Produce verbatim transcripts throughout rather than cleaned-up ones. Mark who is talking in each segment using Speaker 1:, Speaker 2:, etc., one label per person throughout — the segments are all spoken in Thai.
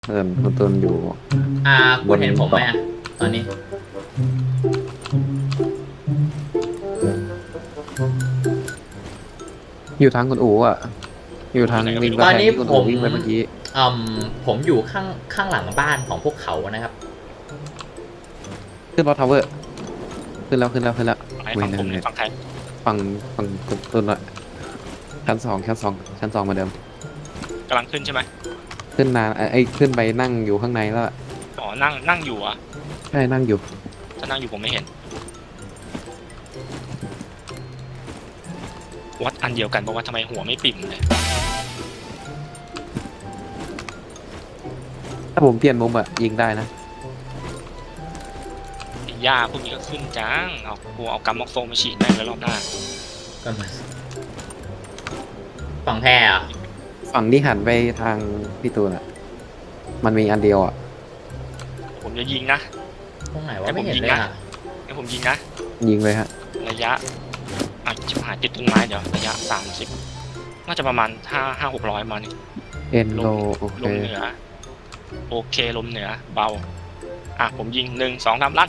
Speaker 1: เออคุณตุนอยู่
Speaker 2: อ่าคุณเห็นผมไหมอะตอนนี้
Speaker 1: อยู่ทางคุณอู๋อ่ะอยู่ทางริม
Speaker 2: ต
Speaker 1: กำ
Speaker 2: อน
Speaker 1: แพง
Speaker 2: นี้
Speaker 1: ที่คุณ
Speaker 2: ผ
Speaker 1: อู๋
Speaker 2: ม
Speaker 1: วิ่งไปเมื่อกี้
Speaker 2: อืมผมอยู่ข้างข้างหลังบ้านของพวกเขานะครับ
Speaker 1: ขึ้นรถทาวเวอร์ขึ้นแล้วขึ้นแล้วขึ้นแล้ว
Speaker 3: ฝั่งไหน
Speaker 1: เว
Speaker 3: ฝั่ง
Speaker 1: น
Speaker 3: ผมหรือ
Speaker 1: เนี่ย
Speaker 3: ฝั่งใคร
Speaker 1: ฝั่งฝั่งคุณตุนอะชั้นสองชั้นสองชั้นสองเหมือนเดิม
Speaker 3: กำลังขึ้นใช่ไหม
Speaker 1: ขึ้นนานไอ้ยขึ้นไปนั่งอยู่ข้างในแล้วอะ
Speaker 3: อ๋อนั่งนั่งอยู่อ่ะ
Speaker 1: ใช่นั่งอยู่
Speaker 3: ถ้านั่งอยู่ผมไม่เห็นวัดอันเดียวกันบอกว่าทำไมหัวไม่ปิ่มเลย
Speaker 1: ถ้าผมเปลี่ยนมุมอะยิงได้นะ
Speaker 3: ไอ้หญ้าพวกนี้ก็ขึ้นจังเอากูเอากัมมอกโซมาฉีดแม่งเลยรอบหน้า
Speaker 2: ก็มาฝั่งแพร่อะ
Speaker 1: ฝั่งที่หันไปทางพี่ตูนอะมันมีอันเดียวอะ
Speaker 3: ผมจะยิงนะ
Speaker 2: ตรงไหนวะไม่เห็นเลยอะ
Speaker 3: ให้ผมยิงนะ
Speaker 1: ยิงเลยฮะ
Speaker 3: ระยะอ่ะชิบหายติดต้นไม้เดี๋ยวระยะสามสิบน่าจะประมาณห้าห้าหกร้อยมานี่
Speaker 1: เอ็นโลโอเค
Speaker 3: ลมเหนือโอเคลมเหนือเบาอ่ะผมยิงหนึ่งสองสามลัด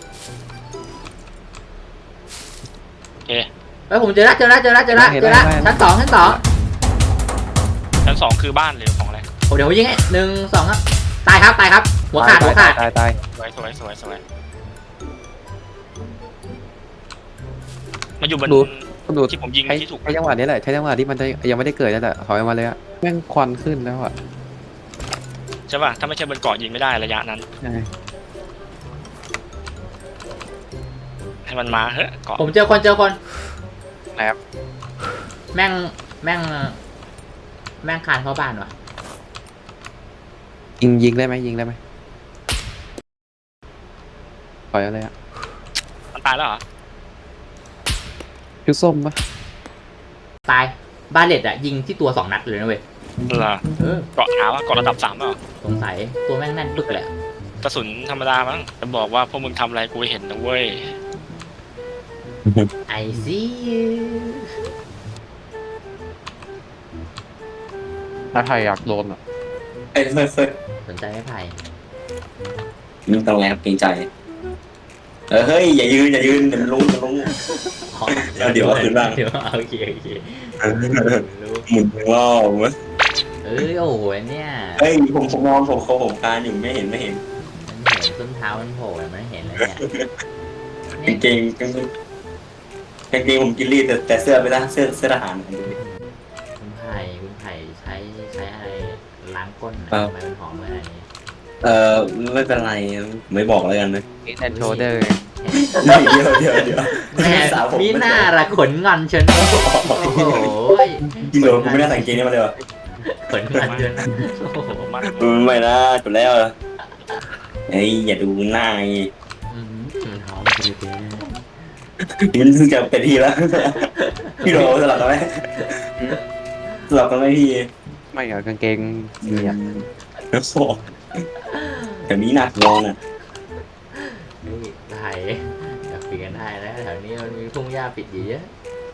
Speaker 3: โอเค
Speaker 2: เฮ้ยผมเจอแล้วเจอแล้วเจอแล้วเจอแล้วเจอแล้วชั้นสองชั้นสอง
Speaker 3: ชั้นสองคือบ้านหรือของอะไร
Speaker 2: โอ้เดี๋ยวผมยิงให้หนึ่งสองครับตายครับตายครับ หัวขาดหัวขาด
Speaker 1: ตายตาย
Speaker 3: สวยสวยสวยสวยมาอยู่บน
Speaker 1: ดูคุณดู
Speaker 3: ที่ผมยิง
Speaker 1: ใช้
Speaker 3: ที่ถูก
Speaker 1: ใช้จังหวะนี้แหละใช้จังหวะที่มันจะยังไม่ได้เกิดนั่นแหละถอยออกมาเลยอะแม่งควันขึ้นแล้วอะ
Speaker 3: ใช่ป่ะถ้าไม่ใช่บนเกาะยิงไม่ได้ระยะนั้น
Speaker 1: ใช่
Speaker 3: ให้มันมาเฮ้ยเกาะ
Speaker 2: ผมเจอคนเจอคน
Speaker 1: นะครับ
Speaker 2: แม่งแม่งแม่งคานเข้าบ้านวะ
Speaker 1: ยิงยิงได้ไหมยิงได้ไหมปล่อยอะไรอะ
Speaker 3: มันตายแล้วเหรอ
Speaker 1: ชุดส้มปะ
Speaker 2: ตายบ้านเล็ดอะยิงที่ตัวสองนัดเลยนะเว้ย
Speaker 3: เหรอ
Speaker 2: เออ
Speaker 3: เกาะเท้าอะเกาะระดับสามเปล่า
Speaker 2: สงสัยตัวแม่งแน่นปึ๊กเลยอะ
Speaker 3: กระสุนธรรมดามั้งจะบอกว่าพวกมึงทำอะไรกูเห็นนะเว้ย
Speaker 2: ไอซี
Speaker 1: ถ้าใครอยากโดนอะ
Speaker 4: เฮ้ยเฮ้ยเฮ้ย
Speaker 2: สนใจไม่ไผ่
Speaker 4: มึงต้องแรงเกรงใจ เออเฮ้ยอย่ายืนอย่ายืนเดี๋ยวมันรู้มันรู้
Speaker 2: อ๋อ
Speaker 4: เดี๋ยวเอาคืนบ้าง
Speaker 2: เดี๋ยวเอาโอเคโอเครู้
Speaker 4: หมุนรอบมั้ย
Speaker 2: เอ้ยโอ้โหเนี่ย
Speaker 4: เฮ้ยผมผมนอนผมเขาผมการอยู่ไม่เห็นไม่เห็น
Speaker 2: มันเห็นส้นเท้ามันโผล่มันเห็นเลยเนี่ย
Speaker 4: กางเกงกางเกงกางเกงผมกินรีดแต่แต่เสื้อไม่ได้เสื้อเสื้อทหาร
Speaker 2: คุณไผ่คุณไผ่ใช้ใช้อะไรล้างก้นอะทำไมมันหอมขนาดนี้
Speaker 4: เออไม่เป็นไรไม่บอกแล้วกันนะ
Speaker 1: เอ็นแอนโชเดอร์
Speaker 4: เดี๋ยวเดี๋ยวเดี๋ยว
Speaker 2: แม่มีหน้าละขนงอนเชนโอ้โห
Speaker 4: จริงเหรอผมไม่ได้ใส่กางเกงนี้มาเลยวะ
Speaker 2: ขนงอนเชนโอ้โห
Speaker 3: มัน
Speaker 4: ไม่นะจบแล้วเฮ้ยอย่าดูหน้าไง
Speaker 2: อืมมันหอมจริง
Speaker 4: มันเพิ่งจะเป็นทีแล้วพี่โดสลับกันไหมสลับกันไหมพี่
Speaker 1: ไม่เหรอกางเกงเนี่ย
Speaker 4: แล้วโซ่แต่นี้หนักงอนอ่ะ
Speaker 2: ๆนี่ไผ่อยากคุยกันได้นะแถวนี้มันมีทุ่งหญ้าปิดอยู่เยอะ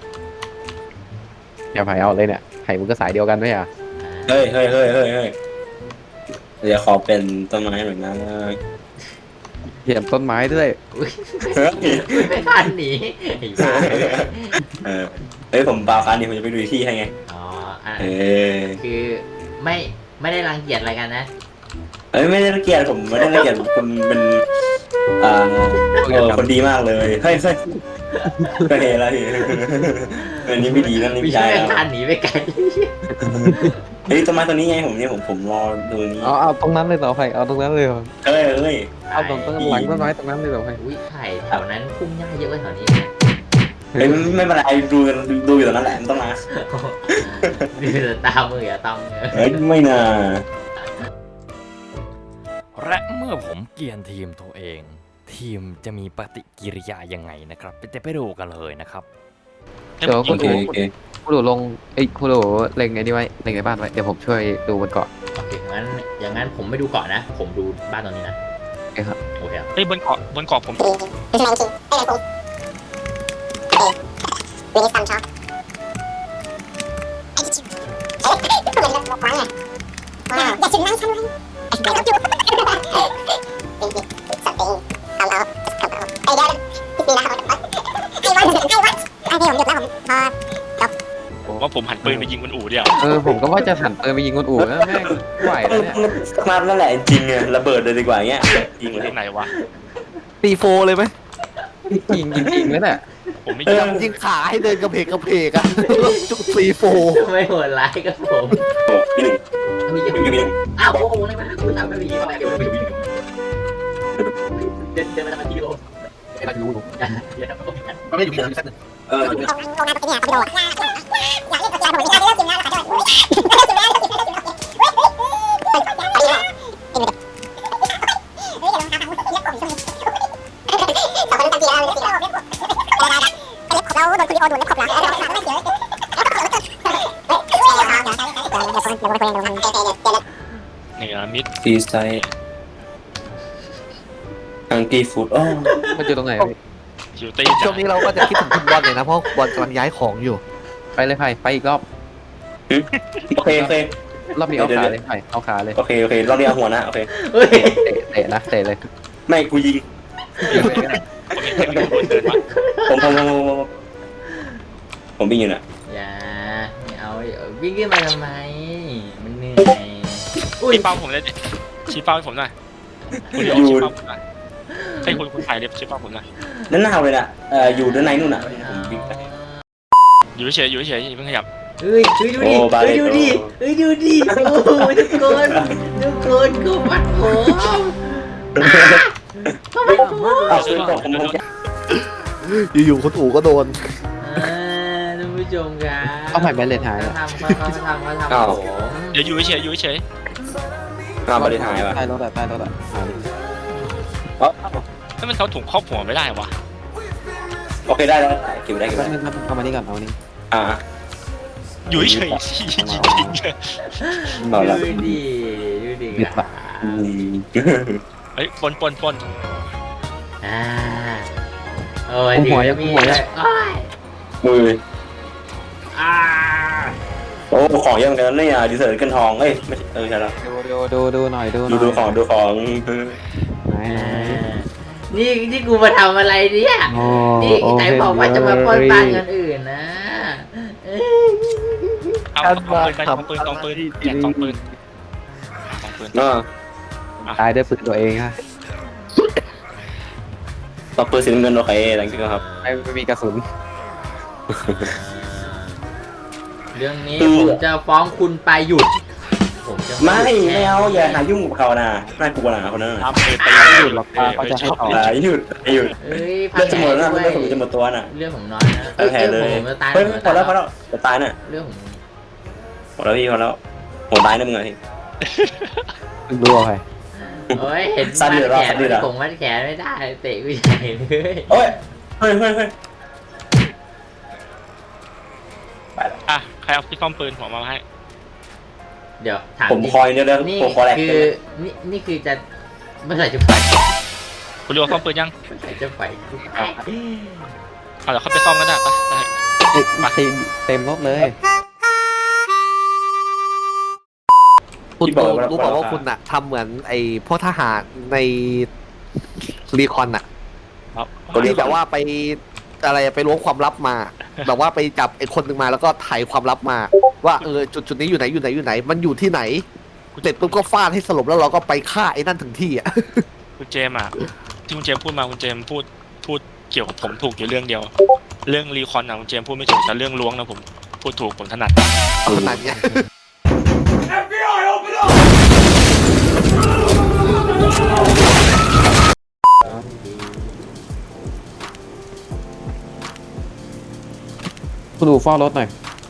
Speaker 1: อย่าไผ่เอาเลยเนี่ยไผ่มึงก็สายเดียวกันด้วยอ่ะ
Speaker 2: อ่า
Speaker 4: เฮ้ยเฮ้ยเฮ้ยเฮ้ยเฮ้ยเดี๋ยวขอเป็นต้นไม้หน่อยนะ
Speaker 1: เห็นต้นไม้ด้วย
Speaker 2: อุ๊ย
Speaker 4: เฮ้ย
Speaker 2: ไม่ทันหนีไอ้บ้า
Speaker 4: เออเฮ้ยผมเปล่าคันนี้ผมจะไปดูที่ให้ไง
Speaker 2: อ๋ออ่ะ
Speaker 4: เออ
Speaker 2: คือไม่ไม่ได้รังเกียจอะไรกันนะ
Speaker 4: เฮ้ยไม่ได้รังเกียจผมไม่ได้รังเกียจคุณเป็นอ่าเออคนดีมากเลยเฮ้ยเฮ้ยก็เฮแล้วพี่อันนี้ไม่ดีนั่นนี่
Speaker 2: ไม่
Speaker 4: ไม่
Speaker 2: ใช่
Speaker 4: ใช่
Speaker 2: แม่
Speaker 4: แล้ว
Speaker 2: งทันหนีไปไกล
Speaker 4: เฮ้ยต้นไม้ตัวนี้ไงผมเนี่ยผมผมรอดูนี้
Speaker 1: เอาเอาตรงนั้นเลยเหรอไผ่เอาตรงนั้นเลยเหรอ
Speaker 4: เฮ้ยเฮ้ย
Speaker 1: เอาตรงต้นหลังต้นไม้ตรงนั้นเลยเหรอไผ่
Speaker 2: อุ้ยไผ่แถวนั้นพุ่งหญ้าเยอะกว่าแถวนี้นะ
Speaker 4: เฮ้ยไม่เป็นไรดูดูอยู่ตรงนั้นแหละมันต้องมา
Speaker 2: ดูแต่ตามืออย่าตำเน
Speaker 4: เฮ้ยไม่น่า
Speaker 5: และเมื่อผมเกลียนทีมตัวเอง ทีมจะมีปฏิกิริยายังไงนะครับไปไปดูกันเลยนะครับ
Speaker 1: เดี๋ยว
Speaker 4: โอ
Speaker 1: คุณ
Speaker 4: เค
Speaker 1: ดู
Speaker 4: โอเค
Speaker 1: คุณดูลงไอ้ยคุณดูเล็งไอ้นี่ไว้เล็งในบ้านไว้เดี๋ยวผมช่วยดูบนเกาะ
Speaker 2: โอเคงั้นอย่างนั้นผมไม่ดูเกาะนะ ผมดูบ้านตรงนี้นะ
Speaker 1: โอเคครับ
Speaker 2: โอเคครับ
Speaker 3: เฮ้ยบนเกาะบนเกาะผม
Speaker 6: อย่าถึงนั่งฉันเลย
Speaker 3: ผมว่าผมหันปืนไปยิงคนอู่เดียว
Speaker 1: เออผมก็ว่าจะหันปืนไปยิงคนอู่แล้วแม่งไหวแล้วเนี่ย
Speaker 4: มานั่นแหละจริงไงระเบิดเลยดีกว่าเงี้ยจริงเลย
Speaker 3: ไหนวะ
Speaker 6: ตีโฟเลยไหม
Speaker 1: ยิงจริงๆแล้วเนี่ย
Speaker 3: ผมไม่
Speaker 4: เอ
Speaker 3: ยิ
Speaker 4: อ
Speaker 3: ง
Speaker 6: ยิงขาให้เดินกระเพกกระเพกอะจุกตีโฟ
Speaker 2: ไม่โหดร้ายกับผม
Speaker 4: โอ้พี่หนึ่ง
Speaker 2: มีจะ
Speaker 4: พี่หนึ่ง
Speaker 2: อ้าวโอ้โหเลยมาคุณทำไปมีอะไรกันไม่มีเดินเดินมาทำทีโอ
Speaker 1: ไม่รู้
Speaker 2: เดี๋ยวทำก็มีกัน
Speaker 6: มันไม่อยู่ที่ไหนสักหนึ่ง
Speaker 4: เออ
Speaker 3: เนี่ยมิด
Speaker 4: ฟีไซอังกีฟูดอ๋อ
Speaker 1: มันอยู่ตรงไหนพี่
Speaker 3: คิวตี้
Speaker 6: ช่วงนี้เราก็จะคิดถึงคุณบอลเลยนะเพราะบอลกำลังย้ายของอยู่
Speaker 1: ไปเลยไผ่ไปอีกรอบ
Speaker 4: โอเคโอเค
Speaker 1: รอบนี้เอาขาเลยไผ่เอาขาเลย
Speaker 4: โอเคโอเครอบนี้เอาหัวนะโอเค
Speaker 2: เฮ้ย
Speaker 1: เตะเตะนะเตะเลย
Speaker 4: ไม่กูยิง
Speaker 3: ผมเห็นคนเดินมา
Speaker 4: ผมผมผมผมผมวิ่งอยู่น่ะ
Speaker 2: อย่าไม่เอาวิ่งขึ้นมาทำไมมันเหนื่อยอุ้ย
Speaker 3: ชี้เป้าผมเลยดิชี้เป้าให้ผมหน่อยคุณเลี้ยวชี้เป้าผมหน่อยให้คุณคุณถ่ายเล็บชี้เป้าผมหน่อย
Speaker 4: นั่นหนาวเลยน่ะเอ่ออยู่ด้านในนู่นน่ะผมวิ่งไป
Speaker 3: อยู่เฉยอยู่เฉยอย่าเพิ่งขยับ
Speaker 2: เฮ้ยเฮ้ยดูดิเฮ้ยดูดิเฮ้ยดูดิโอ้โหทุกคนทุกคนกูปัดผมทำไมผม
Speaker 4: อ้าวซื้อตกผมผมจะ
Speaker 6: อยู่ๆคนอู่ก็โดน
Speaker 2: อ่าท่านผู้ชมครับ
Speaker 1: เอาไผ่แบนเลนหาย
Speaker 2: เขา
Speaker 1: อะ
Speaker 2: ทำเขาเขาทำเขาทำผม
Speaker 3: เดี๋ยวอยู่เฉยอยู่เฉย
Speaker 4: อ้าวบริหารว่ะ
Speaker 1: ใต้รถอะใต้รถอะหาดิ
Speaker 4: อ๋อ
Speaker 3: ถ้ามันเขาถุงครอบหัวไม่ได้วะ
Speaker 4: โอเคได้แล้วเก็บได้เก็บ
Speaker 1: แป๊บ
Speaker 4: ได้
Speaker 1: นึงครับเอามานี่ก่อนเอามานี่
Speaker 4: อ่า
Speaker 3: อยู่เฉยยิงยิงเลย
Speaker 4: บอกแล้ว
Speaker 2: ดูดิดูดิ
Speaker 1: หยุดปะ
Speaker 4: อืม
Speaker 3: เฮ้ยปนปนปน
Speaker 2: อ่าโอ้ยหัวยังมีเลยโอ้ย
Speaker 4: มือ
Speaker 2: อ่า
Speaker 4: โอ้ของเยอะเหมือนกันนี่อ่ะดีเซอร์กันทองเอ้ยไม่ใช่เออใช่แล้ว
Speaker 1: ดูดูดูดูหน่อยดูห
Speaker 4: ดู
Speaker 1: น่อย
Speaker 4: ดูของดูของ
Speaker 1: ไหน
Speaker 2: อ่านี่นี่กูมาทำอะไรเนี่ย
Speaker 1: โอ้
Speaker 2: นี่ไหนบอกว่าจะมาปล้นบ้านคนอื่นนะเอ้ย
Speaker 3: เอาเอาปืนไปสองปืนสองปืนแจกสองปืนสองปืน
Speaker 4: เนาะ
Speaker 1: ตายด้วยปืนตัวเองฮะ
Speaker 4: ต่อปืนสีน้ำเงินโอเคหลังจากนั้นครับ
Speaker 1: ไม่ไม่มีกระสุน
Speaker 2: เรื่องนี้ผมจะฟ้องคุณไปหยุด ผมจะ
Speaker 4: ไม่ไม่เอาอย่าหายุ่งกับเขานะน่ากลัวนะคนนั้นน่ะ
Speaker 3: ทำปืนไป
Speaker 1: ไม่หยุดหรอกป้าเขาจะให้ต่อ
Speaker 4: อย่าหยุดอย่าหยุด
Speaker 2: เอ้ยพั
Speaker 4: เลือดจะหมด
Speaker 2: แผล
Speaker 4: แล้ว
Speaker 2: ด้วย
Speaker 4: เลือดผมจะหมดตัวน่ะ
Speaker 2: เรื่องผมน้อยนะ
Speaker 4: เออแผลเลย
Speaker 2: ผมจะตาย
Speaker 4: เฮ้ย
Speaker 2: ผม
Speaker 4: พอแล้วพอ
Speaker 2: จะ
Speaker 4: แล้วจะตายน่ะ
Speaker 2: เรื่องผม
Speaker 4: พอแล้วพี่พอแล้วผมตายนะมึงไง
Speaker 1: ดูเอาไป
Speaker 2: โอ้ยเห็น
Speaker 4: สั้น
Speaker 2: มั
Speaker 4: เดี๋
Speaker 2: ด
Speaker 4: ยวรอ
Speaker 2: แข
Speaker 4: สั้
Speaker 2: น
Speaker 4: นเดี๋ยวรอ
Speaker 2: ผมมัดแขนไม่ได้เตะกูใหญ่เลย
Speaker 4: โอ้ยเฮ้ยเฮ้ยเฮ้ย
Speaker 3: อ่ะใครเอาที่ซ่อมปืนผมมาให้
Speaker 2: เดี๋ยวถาม
Speaker 4: ผม
Speaker 2: จริง
Speaker 4: คอยเนี่ยแล้ว
Speaker 2: นี่
Speaker 4: ผมคอแหลก
Speaker 2: คือนี่นี่คือจะเมื่อไหร่จะไป
Speaker 3: คุณเลี้ยวซ่อมปืนยัง
Speaker 2: เมื่อไหร่จะไปกูไป
Speaker 3: เอาเดี๋ยวเขาไปซ่อมก็ได้ไปไป
Speaker 1: เต็มเต็มรถเลย
Speaker 6: คุณโตรู้บอกว่าคุณอะทำเหมือนไอ้พวกทหารในรีคอนอะ
Speaker 3: ครับ
Speaker 6: ที่แบบว่าไปอะไรไปล้วงความลับมา แบบว่าไปจับไอ้คนหนึ่งมาแล้วก็ไถ่ความลับมา ว่าเออจุดจุดนี้อยู่ไหนอยู่ไหนอยู่ไหน มันอยู่ที่ไหนเสร็จปุ๊บก็ฟาดให้สลบแล้วเราก็ไปฆ่าไอ้นั่นถึงที่อะ
Speaker 3: คุณเจมส์อ่ะที่คุณเจมส์พูดมาคุณเจมส์พูดพูดเกี่ยวกับผมถูกอยู่เรื่องเดียว เรื่องรีคอนนะคุณเจมส์พูดไม่ถูกแต่เรื่องล้วงนะผมพูดถูกผมถนัด
Speaker 6: ขนาดเนี้ย
Speaker 1: คุณดูเฝ้ารถหน่อย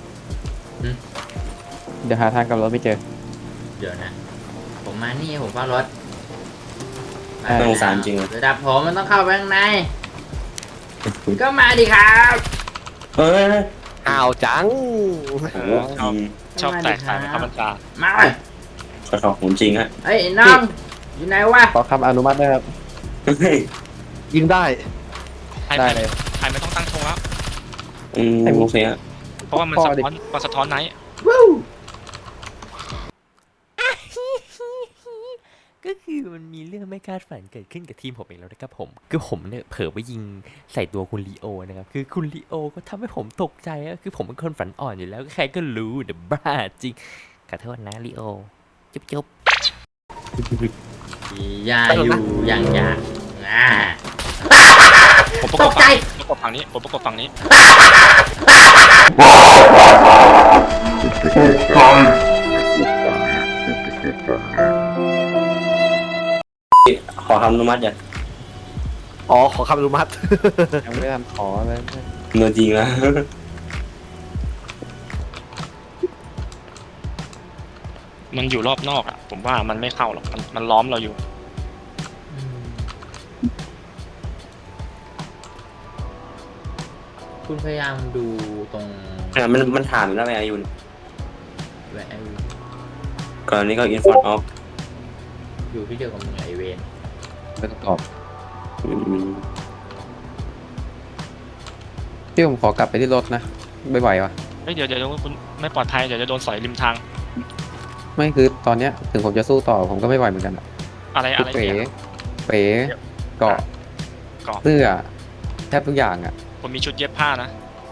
Speaker 1: เดี๋ยวหาทางกลับรถไม่เจอ
Speaker 2: เดี๋ยวนะ ผมมานี่ผมเฝ้ารถ
Speaker 1: อ่า
Speaker 4: น่าสงสารจริง
Speaker 2: ระดับผมมันต้องเข้าไปข้างใน ก็มาดิครับ
Speaker 4: เฮ้ย
Speaker 6: อ้าวจัง
Speaker 4: โอ้โห
Speaker 3: ชอบแตกต่างเป็นคำบรรดา
Speaker 2: มา
Speaker 4: ขอขอบคุณจริงฮะ
Speaker 2: เฮ้ยไอ้น้องอยู่ไหนวะ
Speaker 1: ขอคำอนุมัติด้วยครับ
Speaker 4: เฮ้ย
Speaker 6: ยิงได้
Speaker 3: ใคร
Speaker 1: ได้
Speaker 3: ไม่
Speaker 1: เลย
Speaker 3: ใครไม่ต้องตั้งธงแล้ว
Speaker 4: อืมโอเคฮะ
Speaker 3: เพราะว่ามัน
Speaker 1: พ่
Speaker 3: สะ
Speaker 1: อดิ
Speaker 3: ท้อนมันสะท้อนไหน
Speaker 2: วู้
Speaker 5: ก็คือมันมีเรื่องไม่คาดฝันเกิดขึ้นกับทีมผมเองแล้วนะครับผมคือผมเนี่ยเผลอไปยิงใส่ตัวคุณลีโอนะครับคือคุณลีโอก็ทำให้ผมตกใจอะคือผมเป็นคนฝันอ่อนอยู่แล้วใครก็รู้เดอะบ้าจริงขอโทษนะลีโอจุ๊บจุ๊บ
Speaker 2: ยาอยู่อย่างยากอ่า
Speaker 3: ผมประ
Speaker 2: ต
Speaker 3: กบ
Speaker 2: กใจ
Speaker 3: ฝั่งนี้ผมประกบฝั่งนี้ผมประกบฝั่งนี้
Speaker 4: ขอคำอนุมัติอย่า
Speaker 6: อ๋อขอคำอนุมัติ
Speaker 1: ยังไม่ทันขอเลย
Speaker 4: เงินจริงนะ
Speaker 3: มันอยู่รอบนอกอ่ะผมว่ามันไม่เข้าหรอกมันมันล้อมเราอยู่
Speaker 2: คุณพยายามดูตรง
Speaker 4: เนี่ยมันมันถามอยู่แล้วไงอายุน
Speaker 2: แวะ
Speaker 4: ก่อนนี้ก็อินฟอนออฟ
Speaker 2: อยู่ที่เดียวกับมึงไอเวน
Speaker 1: ไม่ต้องตอบพี่ผมขอกลับไปที่รถนะไม่ไหววะ
Speaker 3: เฮ้ยเดี๋ยวเดี๋ยวคุณไม่ปลอดภัยเดี๋ยวจะโดนสอยริมทาง
Speaker 1: ไม่คือตอนเนี้ยถึงผมจะสู้ต่อผมก็ไม่ไหวเหมือนกันอะ
Speaker 3: อะไร
Speaker 1: คื
Speaker 3: อะไร
Speaker 1: เป๋
Speaker 3: เนี่ย
Speaker 1: เป๋เกาะ
Speaker 3: เกาะ
Speaker 1: เสื้อแทบทุกอย่างอ่ะ
Speaker 3: ผมมีชุดเย็บผ้านะ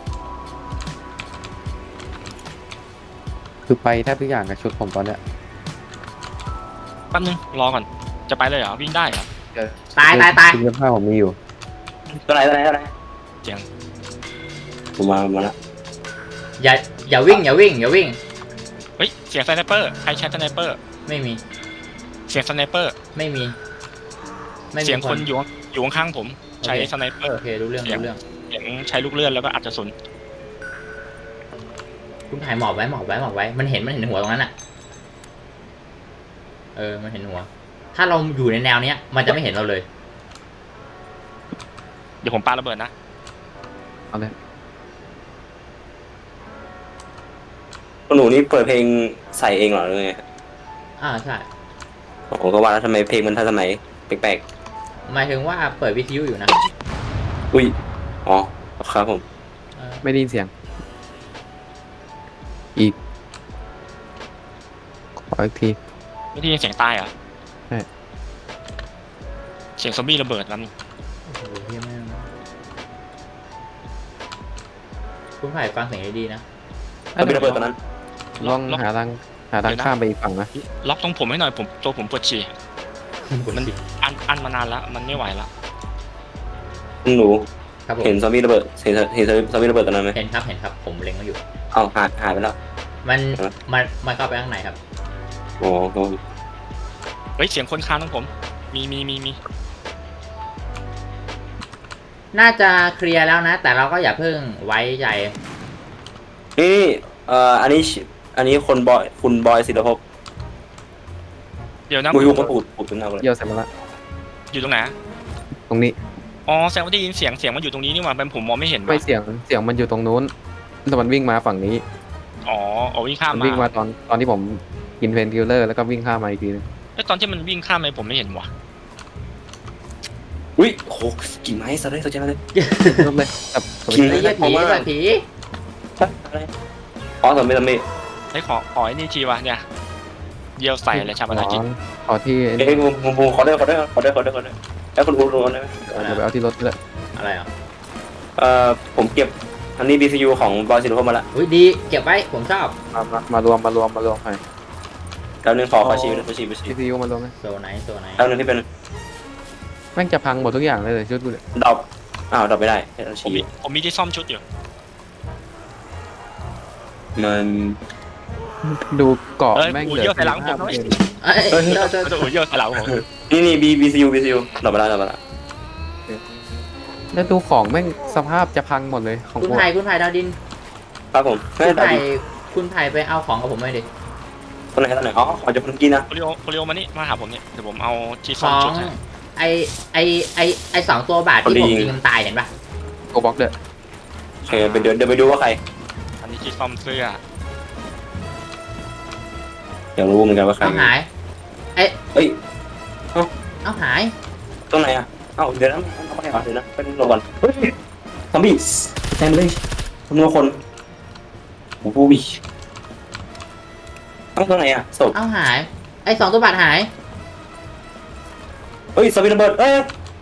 Speaker 1: คือไปแทบทุกอย่างกับชุดผมตอนเนี้ย
Speaker 3: แป๊บนึงรอก่อนจะไปเลยเหรอวิ่งได้เหรอ
Speaker 2: ตายตายตาย
Speaker 1: ชุดเสื้อผ้าผมมีอยู่
Speaker 4: ตัวไหนตัวไหนตัวไหน
Speaker 3: เจียง
Speaker 4: ผมมามาแล้ว
Speaker 2: อย่าอย่าวิ่งอย่าวิ่งอย่าวิ่ง
Speaker 3: เฮ้ยเสียงสไนเปอร์ใครใช้สไนเปอร์
Speaker 2: ไม่มี
Speaker 3: เสียงสไนเปอร์
Speaker 2: ไม่มีไม่มี
Speaker 3: เสียงคนอยู่อยู่ข้างๆผมใช้สไนเปอร์
Speaker 2: โอเครู้เรื่องรู้เรื่อง
Speaker 3: เสียงใช้ลูกเลื่อนแล้วก็อัดกระสุน
Speaker 2: คุณถ่ายหมอบไว้หมอบไว้หมอบไว้มันเห็นมันเห็นหัวตรงนั้นอ่ะเออมันเห็นหัว ถ้าเราอยู่ในแนวเนี้ย มันจะไม่เห็นเราเลย
Speaker 3: เดี๋ยวผมปาระเบิดนะ
Speaker 1: เอาเลย
Speaker 4: หนูนี่เปิดเพลงใส่เองเหรอหรือไง
Speaker 2: อ่าใช่
Speaker 4: ผมก็ว่าแล้วทำไมเพลงมันทันสมัยแปลก
Speaker 2: หมายถึงว่าเปิดวิทยุอยู่นะ
Speaker 4: ๆอุ้ยอ๋อครับผม
Speaker 2: เออ
Speaker 1: ไม่ได้ยินเสียง อีกขออีกที
Speaker 3: ไม่ได้ยินเสียงตายเหรอ
Speaker 1: ใช่
Speaker 3: เสียงซอมบี้ระเบิดแล้ว
Speaker 2: โอ้โหเฮียแม่งคุณถ่ายฟังเสียงดีๆนะ
Speaker 4: เราไประเบิดตอนนั้น
Speaker 1: ลองหาทางหาทางข้ามไปอีกฝั่งนะ
Speaker 3: ล็อกตรงผมให้หน่อยผมตัวผมปวดฉี่มันอันอันมานานแล้วมันไม่ไหวแล้ว
Speaker 4: หนู
Speaker 2: ครับผม
Speaker 4: เห็นซอมบี้ระเบิดเห็นเห็นซอมบี้ระเบิดตอนนั้นไหม
Speaker 2: เห็นครับเห็นครับผมเล็งมาอยู่
Speaker 4: เอาหายหายไปแล้ว
Speaker 2: มันมันมันเข้าไปข้างในครับ
Speaker 4: โอ้โห
Speaker 3: เฮ้ยเสียงคนค้านของผมมีมีมีมี
Speaker 2: น่าจะเคลียร์แล้วนะ แต่เราก็อย่าเพิ่งไว้ใจ
Speaker 4: นี่เอ่ออันนี้อันนี้คนบอยคุณบอยศิลปภพ
Speaker 3: เดี๋ยวนะ
Speaker 4: บุยบุกปูดปูดเป็นเอาเลย
Speaker 1: เยี่ยวเสร็จหมดละ
Speaker 3: อยู่ตรงไหน
Speaker 1: ตรงนี้
Speaker 3: อ๋อแสดงว่าได้ยินเสียงเสียงมันอยู่ตรงนี้นี่หว่าเป็นผมมองไม่เห็น
Speaker 1: ไม่
Speaker 3: ว่ะ
Speaker 1: เสียงเสียงมันอยู่ตรงนู้นแต่มันวิ่งมาฝั่งนี้
Speaker 3: อ๋อเอาวิ่งข้าม
Speaker 1: มัน
Speaker 3: มา
Speaker 1: วิ่งมาตอนตอนที่ผมกินเพนคิลเลอร์แล้วก็วิ่งข้ามมาอีกทีนึง
Speaker 3: ไอ้ยตอนที่มันวิ่งข้ามไปผมไม่เห็นว่ะ
Speaker 4: อุ้ยโหกิ่งไม้สะเลยสะใจเลย
Speaker 1: ลบเลยแต่ผม
Speaker 4: จริง
Speaker 2: ไอ้เหี้ยผี
Speaker 4: ผมว่า
Speaker 2: แบบผี
Speaker 4: อะไรอ๋อสมไม่สมไม่
Speaker 3: ไอ้ยขอขอไอ้นี่ทีวะเนี่ยเยี่ยวใส่อะไรชาบานากิน
Speaker 1: ขอที่
Speaker 4: เอ้ยผมผมผมขอได้ขอได้ขอได้ขอได้ขอได้แล้วคุณรู้รู้ได้ไหม
Speaker 1: เดี๋ยวไปเอาที่รถเลย
Speaker 2: อะไรอ่ะ
Speaker 4: เอ่อผมเก็บอันนี้ บี ซี ยู ของบอยศิลปภพมาละ
Speaker 2: อุ้ยดีเก็บไว้ผมชอบ
Speaker 1: มามามารวมมารวมมารวมไป
Speaker 4: แล้วนึงขอขอชี้ขอชี้ขอชี้
Speaker 1: ทีซียูมารวมไหม
Speaker 2: โซไหนโซไหน
Speaker 4: แล้วนึงที่เป็น
Speaker 1: แม่งจะพังหมดทุกอย่างเลยเลยชุดกูเนี่ย
Speaker 4: ดอกอ้าวดอกไม่ได้ให้เรา
Speaker 3: ผม
Speaker 4: ชี้
Speaker 3: มีผมมีที่ซ่อมชุดอยู่
Speaker 4: มัน
Speaker 1: ดูเกาะ
Speaker 3: เอ้ย
Speaker 1: แม่ง
Speaker 3: อู
Speaker 1: เหลื
Speaker 3: เยี่ยว
Speaker 1: อ
Speaker 3: ใส่หลังผมหน่อย
Speaker 2: เอ้ยเดี๋ยวเดี๋ยว
Speaker 3: จะอูเยี่ยวใส่หลังผม
Speaker 4: นี่นี่ B B C U B C U ดอกไปแล้วดอกไปแล้ว
Speaker 1: แล้วดูของแม่งสภาพจะพังหมดเลยของ
Speaker 2: คุณ
Speaker 1: กู
Speaker 2: ไผ่คุณไผ่ดาวดิน
Speaker 4: ครับผมไม่
Speaker 2: คุณ
Speaker 4: ได้
Speaker 2: ไผ่คุณไผ่ไปเอาของกับผมหน่อยดิ
Speaker 4: ตอนไหนตอนไหนอ๋อขอจะคุณกินนะ
Speaker 3: โคลิโอโคลิโอมานี่มาหาผมเนี่ยเดี๋ยวผมเอาที่
Speaker 2: ข
Speaker 3: ซ่อม
Speaker 2: อง
Speaker 3: ชุดให้
Speaker 2: ไอไอไอไอสองตัวบาทที่ผมยิงมันตายเห็นปะ
Speaker 1: โกบ็อกเด้อ
Speaker 4: โอเคไปเดี๋ยวเดี๋ยวไปดูว่าใคร
Speaker 3: อันนี้ที่ซ่อมเสื้อ
Speaker 4: อยากรู้เหมือนกันว่าใคร
Speaker 2: เอาหาย
Speaker 4: เอ้ย
Speaker 2: เอาหาย
Speaker 4: ตรงไหนอ่ะเอ้าเดี๋ยวนะเอาไปก่อนเดี๋ยวนะเป็นระวังเฮ้ยซอมบี้เต็มเลยจำนวนคนโอ้โหเอ้าตรงไหนอ่ะศพ
Speaker 2: เอาหาย ไอสองตัวบาทหาย
Speaker 4: เฮ้ยสวิตช์ระเบิดเอ้ย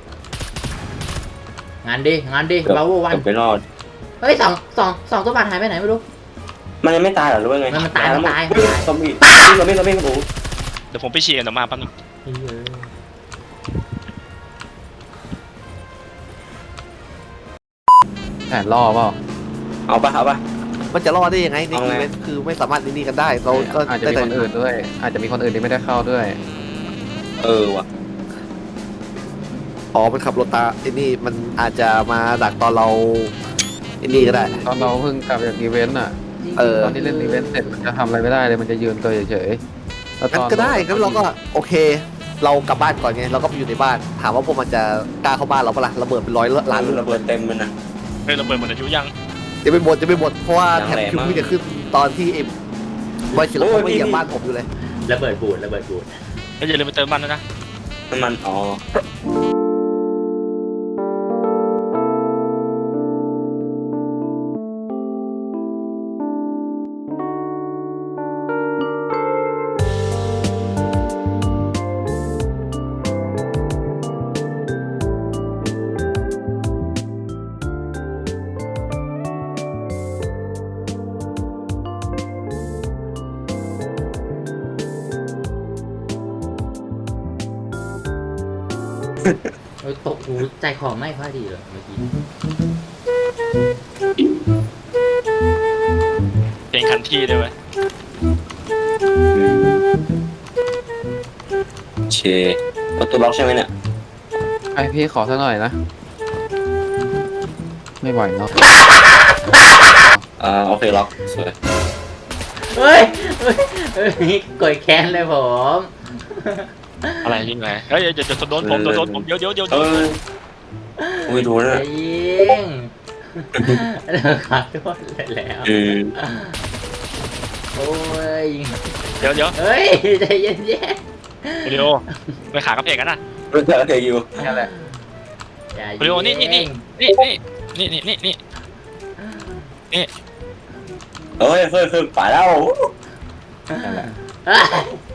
Speaker 2: งานดีงานดีบาโววัน
Speaker 4: เกือบไปรอด
Speaker 2: เฮ้ยสองสองสองตัวบาทหายไปไหนไม่รู้
Speaker 4: มันยังไม่ตายเหรอหรือว่าไง
Speaker 2: มันมันตายมันตาย
Speaker 4: เฮ้ซอมบี้ซอมบี้ซอมบี้ครับผม
Speaker 3: เดี๋ยวผมไปฉี่กันเดี๋ยวมาแป๊บนึง
Speaker 1: แผนล่อเปล่า
Speaker 4: เอาปะเอาปะ
Speaker 6: มันจะรอดได้ยังไงใน
Speaker 4: เอา
Speaker 6: อี
Speaker 4: ไง
Speaker 6: เวนต์คือไม่สามารถนี่กันได้เราก็
Speaker 1: อาจจะ
Speaker 6: ได้
Speaker 1: มี
Speaker 6: แต่
Speaker 1: คนอื่นด้วย อาจจะมีคนอื่นที่ไม่ได้เข้าด้วย
Speaker 4: เออว่ะ
Speaker 6: อ๋อมันขับรถตาไอ้นี่มันอาจจะมาดักตอนเราไอ้นี่ก็ได้
Speaker 1: ตอนเราเพิ่งกลับจากอีเวนต์อ่ะ
Speaker 6: เออ
Speaker 1: ตอนที่เล่นอีเวนต์เสร็จมันจะทำอะไรไม่ได้เลยมันจะยืนตัวเฉยๆแล้วต
Speaker 6: งั้น
Speaker 1: อน
Speaker 6: ก็ได้งั้นเราก็โอเค เรากลับบ้านก่อนไงเราก็ไปอยู่ในบ้าน ถามว่าพวกมันจะกล้าเข้าบ้านเราปะล่ะระเบิดเป็นร้อยล้า
Speaker 4: ร้าน น
Speaker 6: ลูก
Speaker 4: ระเบิดเต็มมันนะ
Speaker 3: เฮ้ยระเบิดหมดอายุยัง
Speaker 6: จะไม่หมดจะไม่หมดเพราะว่า
Speaker 4: ยัง
Speaker 6: แถบ
Speaker 4: แรง
Speaker 6: คิว
Speaker 4: มาก
Speaker 6: ไม่จะขึ้นตอนที่ไอ้บอยเฉลิม
Speaker 4: โอ้ย
Speaker 6: เขาไม่เหยียบ
Speaker 4: พี่
Speaker 6: บ้านผมอยู่เลย
Speaker 2: ระเบิดบูดระเบิดบูด
Speaker 3: แล้วอย่าลืมไปเติมมันด้วยนะ
Speaker 4: น้ำมันอ๋อ
Speaker 2: เฮ้ยตกหูใจคอไม่ค่อยดีเลยเมื่อกี้
Speaker 3: เพลงคันที่ด้วยเว้ย
Speaker 4: เชประตูล็อกใช่ไหมเนี่ย
Speaker 1: ไอพี่ขอสักหน่อยนะ ไม่ไหวเนาะ
Speaker 4: อ่าโอเคล็อกสวย
Speaker 2: เฮ้ยเฮ้ยเฮ้ยกดแค้นเลยผม
Speaker 3: อะไรยิงไงเฮ้ยเดี๋ยวจะโดนผมโดนโดนผมเดี๋ยวเดี๋ยวเดี๋ยว
Speaker 4: เอออุ้ยดูนะ
Speaker 2: จะยิงเดี๋ยวขอโทษเลยแล้ว
Speaker 4: อืม
Speaker 2: โอ้ย
Speaker 3: เดี๋ยวเดี๋ยว
Speaker 2: เฮ้ยใจเย็น
Speaker 3: เดี๋ยวไปขากระเพกกันนะ
Speaker 4: โอเคโอเคอยู่
Speaker 1: นั่นแหละ
Speaker 2: ๆอย่า
Speaker 3: เดี๋ยวนี่นี่นี่ นี่นี่นี่นี่นี่นี่
Speaker 4: เฮ้ยเฮ้ยเฮ้ยไปแล้ว
Speaker 1: นั่นแหละ
Speaker 2: เฮ้ย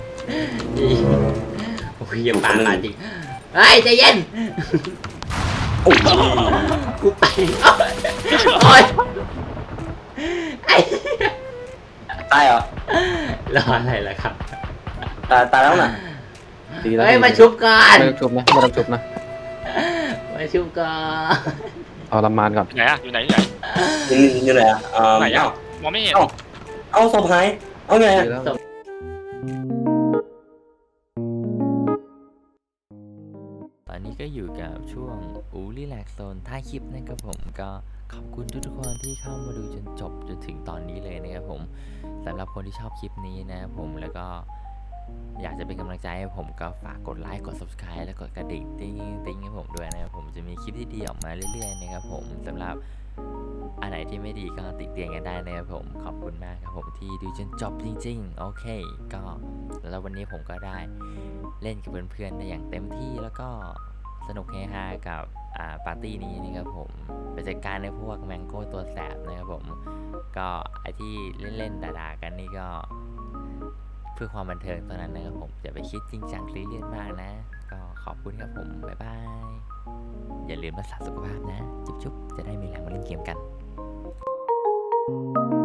Speaker 2: โอ้ยอย่าปาดปาดจริงเฮ้ยใจเย็น
Speaker 4: โอ้ย
Speaker 2: กูไปโอ้ยไอ้
Speaker 4: ตายเหรอ
Speaker 2: รออะไรล่ะครับ
Speaker 4: ตายตายแล้วน่ะ
Speaker 1: ดีแล้ว
Speaker 2: เฮ้ยมาชุบก่อน
Speaker 1: ไม่ต้องชุบนะไม่ต้องชุบนะ
Speaker 2: มาชุบก่อน
Speaker 1: เอาลำมานก่อน
Speaker 3: อยู่ไหนอะอยู่ไหนอยู่ไหน
Speaker 4: อยู่นี่อยู่ไหนอ่ะอ่า
Speaker 3: ไหนอะ
Speaker 4: เอ้าม
Speaker 3: องไม่เห็น
Speaker 4: เอ้าเอาศพหายเอาไง
Speaker 1: ดี
Speaker 4: อะ
Speaker 1: แล้ว
Speaker 5: ตอนนี้ก็อยู่กับช่วงอูรีแลกโซนท้ายคลิปนะครับผมก็ขอบคุณทุกๆคนที่เข้ามาดูจนจบจนถึงตอนนี้เลยนะครับผมสำหรับคนที่ชอบคลิปนี้นะครับผมแล้วก็อยากจะเป็นกำลังใจให้ผมก็ฝากกดไลค์กด subscribe และกดกระดิ่งติ๊งติ๊งให้ผมด้วยนะครับผมจะมีคลิปที่ดีออกมาเรื่อยๆนะครับผมสำหรับอันไหนที่ไม่ดีก็ติเตียนกันได้นะครับผมขอบคุณมากครับผมที่ดูจนจบจริงๆโอเคก็แล้ววันนี้ผมก็ได้เล่นกับเพื่อนๆได้อย่างเต็มที่แล้วก็สนุกเฮฮากับอ่าปาร์ตี้นี้นะครับผมไปจัดการในพวกแมงโก้ตัวแสบนะครับผมก็ไอที่เล่นๆด่าๆกันนี่ก็เพื่อความบันเทิงตอนนั้นนะครับผมอย่าไปคิดจริงจังซีเรียสมากนะก็ขอบคุณครับผมบ๊ายบายอย่าลืมรักษาสุขภาพนะจุ๊บๆจะได้มีแรงมาเล่นเกมกัน